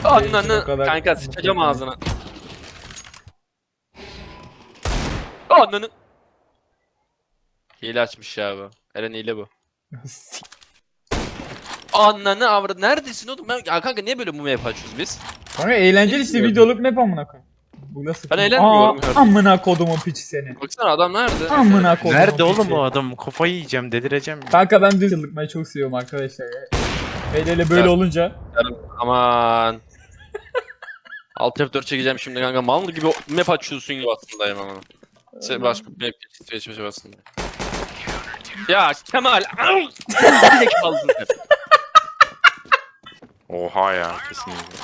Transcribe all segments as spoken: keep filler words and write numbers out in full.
Ananı kanka sıçacağım ağzına. Ananı. Hile açmış ya bu. Eren hile bu. Ananı avradı. Neredesin oğlum? Ben... Ya kanka niye böyle bu map açıyoruz biz? Kanka eğlenceli işte videoluk map amına koyayım. Bu nasıl? Ben eğlenmiyorum. Aa, amına kodumun piçi seni. Baksana adam nerede? Amına kodumun Nerede oğlum piçi. o adam? Kafayı yiyeceğim, delireceğim. Kanka ben düz yıllıkmayı çok seviyorum arkadaşlar ya. Hele hele böyle Ya. olunca. Aman. Alt F dört çekeceğim şimdi kanka. Mal gibi map açıyorsun gibi aslındayım ama. Şey, başka bir map geçiyor aslında. Ya Kemal. Ay! Bir de kaldın sen. Oha ya, kesinlikle.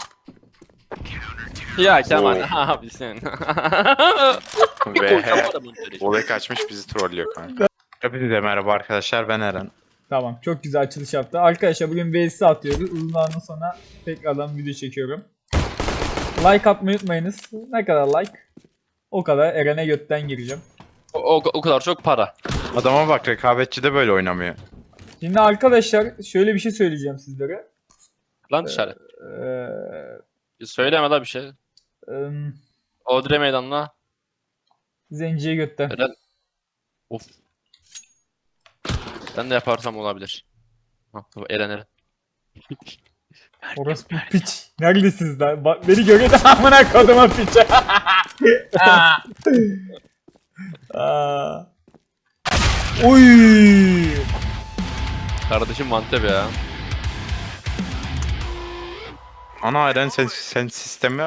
Ya Kemal Oo. abi sen. Ve olay kaçmış, bizi trollüyor kanka. Hepinize merhaba arkadaşlar, ben Eren. Tamam, çok güzel açılış yaptı. Arkadaşlar bugün V S atıyoruz. Uzun zamandan sonra tekrardan video çekiyorum. Like atmayı unutmayınız. Ne kadar like? O kadar Eren'e götten gireceğim. O, o, o kadar çok para. Adama bak, rekabetçi de böyle oynamıyor. Şimdi arkadaşlar şöyle bir şey söyleyeceğim sizlere. Lan dışarı. Ee, Söyleme la bir şey. ım, Odre meydanına. Zenciye götten. Eren. Of. Ben de yaparsam olabilir. Ha, Eren Eren. Orası bir piç. Neredesiniz lan? Bak beni görüyor da amına koduma piç. Aa. Aa. Oy. Kardeşim mantep ya. Ana Eren, sen, sen sistemi...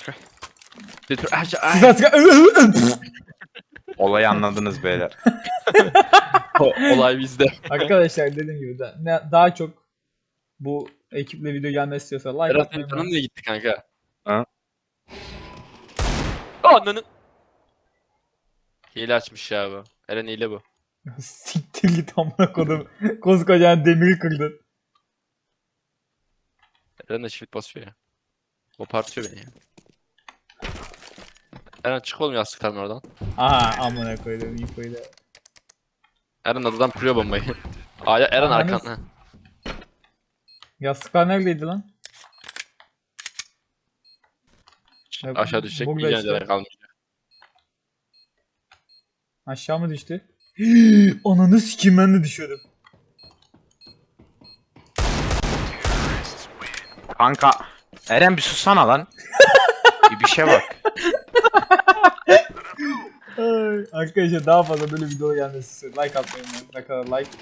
Olayı anladınız beyler. O, olay bizde. Arkadaşlar dediğim gibi da, ne, daha çok bu ekiple video gelmesi istiyorsa like Eren atmayı senin canın niye gitti kanka? Ha? Ananı. Hile açmış ya bu. Eren hile bu. Siktir git amına kodum. Koskocaman demiri kırdın. Eren de shift basıyor ya. Kopartıyor beni ya. Eren çık oğlum yastıktan oradan. Aha amına koydum infoyu da. Eren adadan kuruyor bombayı. Aya Eren Ananı arkan. Ha. Yastıklar neredeydi lan? Ya, Aşağı düşecek. burada Bir işte. işte. kalmış. Aşağı mı düştü? Ananı sikeyim, ben de düşüyordum. Kanka, Eren bir susana lan. bir, bir şey bak. Ay, arkadaşlar daha fazla böyle video gelmesi istiyorum. Like atmayı unutmayın. Ne kadar like.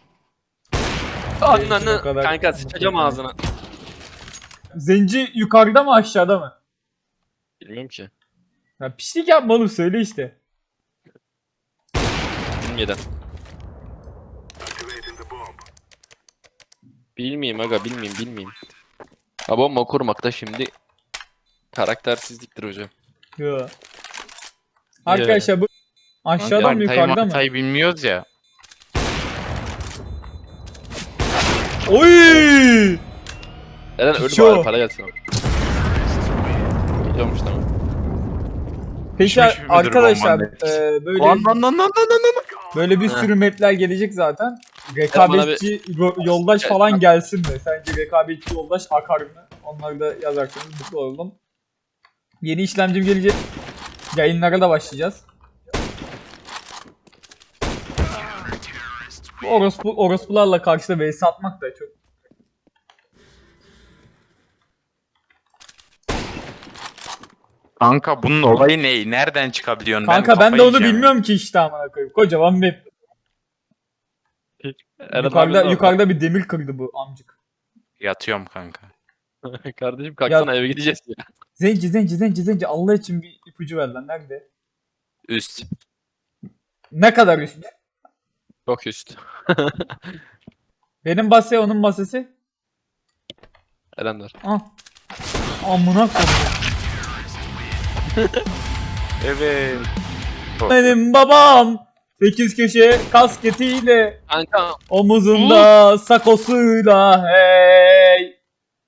Ananı. O kadar- Kanka sıçacağım ağzına. Zenci yukarıda mı aşağıda mı? Bilmiyorum ki. Ya pislik yapma oğlum, söyle işte. Bilmeden. Bilmeyeyim aga bilmeyeyim bilmeyeyim. Ha bomba kurmakta şimdi karaktersizliktir hocam. Yo. Arkadaşlar bu aşağıda mı Haritayı yukarıda mı? haritayı bilmiyoruz ya. Oy! Eren ölü Piço. bari para gelsin. Gidiyormuş tamam. Peki Pişmiş midir arkadaşlar bombanın e, böyle Lan lan lan lan lan lan. böyle bir Ha. sürü mapler gelecek zaten. Rekabetçi ro- yoldaş Evet, falan bak. gelsin mi? Sence rekabetçi yoldaş akar mı? Onları da yazarsanız mutlu olalım. Yeni işlemcim gelecek. Yayınlara da başlayacağız. Bu orospu, orospularla karşıda vs atmak da çok. Kanka bunun olayı ne? Nereden çıkabiliyorsun? Kanka ben, kafayı de onu yiyeceğim. bilmiyorum ki işte amına koyayım. Kocaman map. Eren Yukarıda, abi yukarıda bir demir kırdı bu amcık. Yatıyorum kanka. orada. Kardeşim kalksana eve gideceğiz ya. Zenci zenci zenci zenci Allah için bir ipucu ver lan, nerede? Üst. Ne kadar üst? Çok üst. Benim base onun basesi. Eren var. Ah. Amına koyayım. Evet. Benim babam sekiz köşe kasketiyle, Kanka omuzunda sakosuyla hey.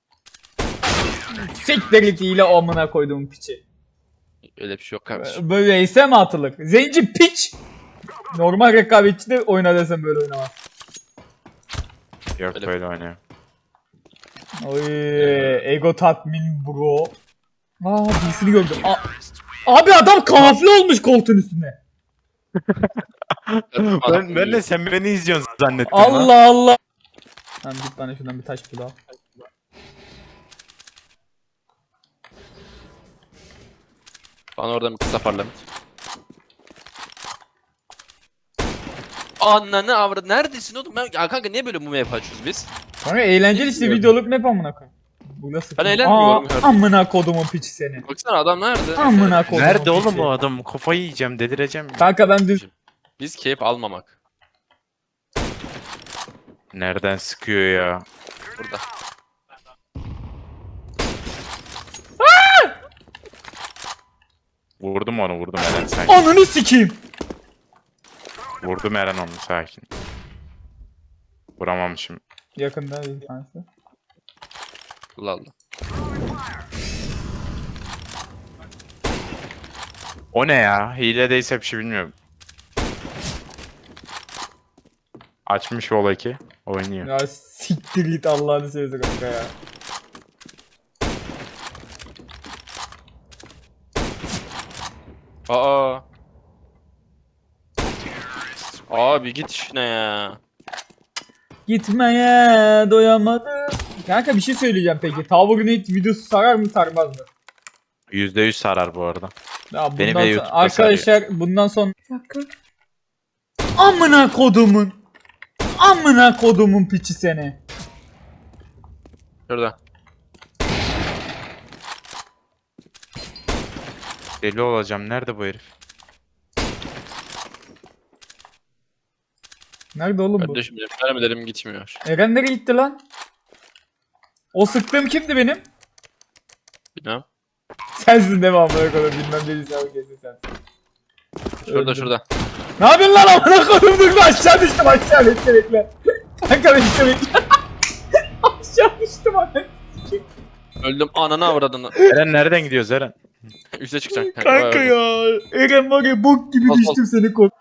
Siktir itiyle amına koyduğum piçi. öyle bir şey yok kardeşim. Böyle ise mi atılır? Zenci piç. Normal rekabetçi de oyna desem böyle oynamaz. Yok Öyle. böyle oynuyor. Oy, ego tatmin bro. Aa birisini gördüm. A- Abi adam kamufle olmuş koltuğun üstüne. ben, ben de sen beni izliyorsun zannettim lan. Allah Allah. Lan git bana şuradan bir taş bul al. Bana oradan bir kısa parlament. Ananı avradı. Neredesin oğlum? Ben... Ya kanka niye böyle mumya açıyoruz biz? Kanka eğlenceli işte videoluk map amına koyayım. Bu nasıl? Ben eğlenmiyorum Aa, kardeşim. amına kodumun piçi seni. Baksana adam nerede? Amına kodumun Nerede oğlum piçi. o adam? Kafayı yiyeceğim, delireceğim. ya. Kanka ben düz... Biz keyif almamak. Nereden sıkıyor ya? Burada. Vurdum onu, vurdum Eren sakin. Ananı sikeyim. Vurdum Eren onu sakin. Vuramamışım. Yakında bir tanesi. Allah Allah. O ne ya? Hile değilse bir şey bilmiyorum. Açmış Vol iki. Oynuyor. Ya siktir git Allah'ını seversen kanka ya. Aa. Abi git işine ya. Gitmeye doyamadım. Kanka bir şey söyleyeceğim peki. Tower Grenade videosu sarar mı sarmaz mı? yüzde yüz sarar bu arada. Ya Beni bundan bile sonra, YouTube'da arkadaşlar bundan sonra amına kodumun amına kodumun piçi seni. Şurada. Deli olacağım. Nerede bu herif? Nerede oğlum bu? Kardeşim benim mermilerim gitmiyor. Eren nereye gitti lan? O sıktığım kimdi benim? Bilmem. Sensin değil mi amına kodum bilmem değilsin abi kesin sensin. Şurada Öldüm. şurada. Ne yapıyorsun lan amına kodum dur lan aşağı düştüm aşağı bekle bekle. Kanka bekle bekle. Aşağı düştüm amına. Öldüm ananı avradını. Eren nereden gidiyoruz Eren? Üste çıkacak. Kanka ya. Eren var ya bok gibi Bas, bas. düştüm seni kork.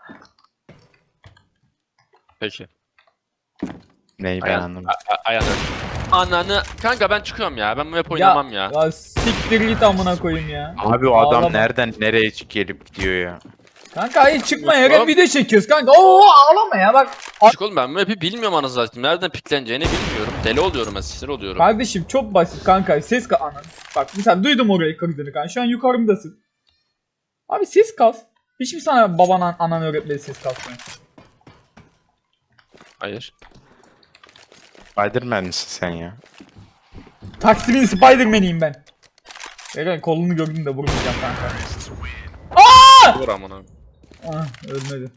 Peki. Neyi ben Ayağın- anlamadım. A- Ayağını. Ananı. Kanka ben çıkıyorum ya. Ben bu hep oynamam ya. Ya siktir git amına koyayım ya. Abi o adam Ağlama. nereden nereye gelip gidiyor ya? Kanka hayır çıkma Yok Eren oğlum. video çekiyoruz kanka. Oo ağlama ya bak. Çık oğlum ben bu hep'i bilmiyorum anasını satayım. Nereden pikleneceğini bilmiyorum. Deli oluyorum ben sinir oluyorum. Kardeşim çok basit kanka ses ka anan. Bak mesela duydum orayı kırdığını kanka şu an yukarımdasın. Abi ses kas. Hiç mi sana baban anan öğretmedi ses kasmayı? Hayır. Spiderman misin sen ya? Taksimin Spiderman'iyim ben. Eren kolunu gördüm de vurmayacağım kanka. Vur amına. Ah ölmedi.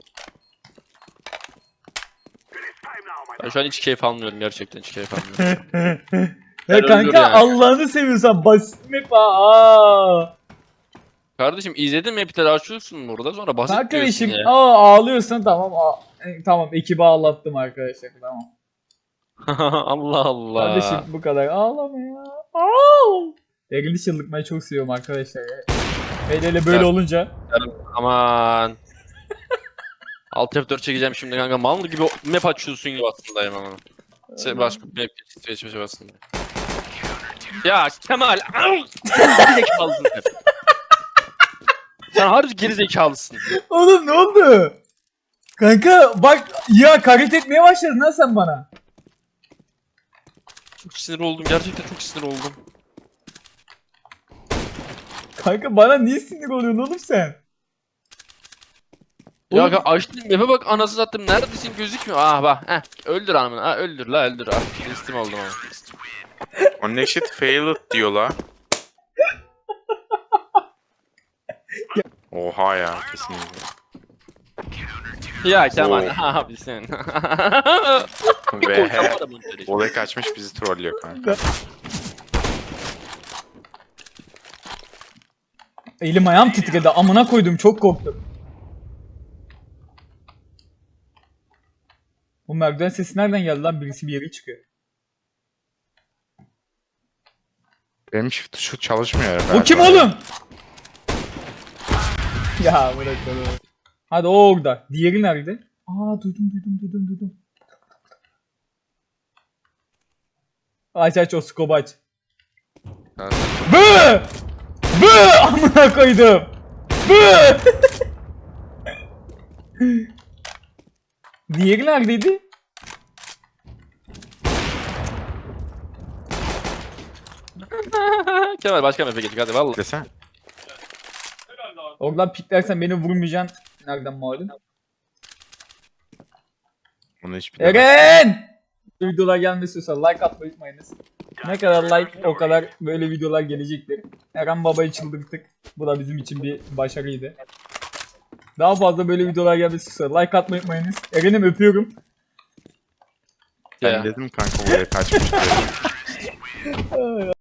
Ben şu an hiç keyif almıyorum gerçekten hiç keyif almıyorum. Ya öldür kanka yani. Allah'ını seviyorsan basit mi aa. Kardeşim izledin mi hepleri açıyorsun burada sonra basit diyorsun Arkadaşım ya. aa ağlıyorsan tamam aa, e, tamam ekibi ağlattım arkadaşlar tamam. Allah Allah. Kardeşim bu kadar ağlama ya. Aa! Eril'i çıldırtmayı çok seviyorum arkadaşlar ya. Hele hele böyle Ya- olunca. Aman. Alt F dört çekeceğim şimdi kanka mal gibi map açıyorsun gibi aslındayım ama. Se başka bir map geçmişe aslında. Ya Kemal. Ay! Geri zekalısın sen. Sen harbi geri zekalısın. Oğlum ne oldu? Kanka bak ya hakaret etmeye başladın ha sen bana. Çok sinir oldum gerçekten çok sinir oldum. Kanka bana niye sinir oluyorsun oğlum sen? Ya Oğlum- kanka açtım map'e bak anasını sattım neredesin gözükmüyor. Ah bak heh öldür anamını ha öldür la öldür ah istim oldum ama. Connected failed diyor la. Oha ya kesinlikle. Ya Kemal Oo. abi sen. Ve Volek açmış bizi trollüyor kanka. Elim ayağım titredi amına koydum çok korktum. Bu merdiven sesi nereden geldi lan birisi bir yere çıkıyor. Benim shift tuşu çalışmıyor O galiba. kim oğlum? Ya bırak onu. Hadi o orada. Diğeri nerede? Aa duydum duydum duydum duydum. Aç aç o skobu aç. Yani. Bı! Bı! Amına koydum. Bı! Diğeri neredeydi? Kemal başka mepe geçtik hadi valla. Desene. Oradan piklersen beni vurmayacaksın. Nereden malum? Bunu hiç bilemez. Eren! Videolar gelmesi istiyorsa like atmayı unutmayınız. Ne kadar like o kadar böyle videolar gelecektir. Eren Baba'yı çıldırttık. Bu da bizim için bir başarıydı. Daha fazla böyle videolar gelmesi istiyorsa like atmayı unutmayınız. Eren'im öpüyorum. Ben Ya. dedim kanka buraya kaçmış diye.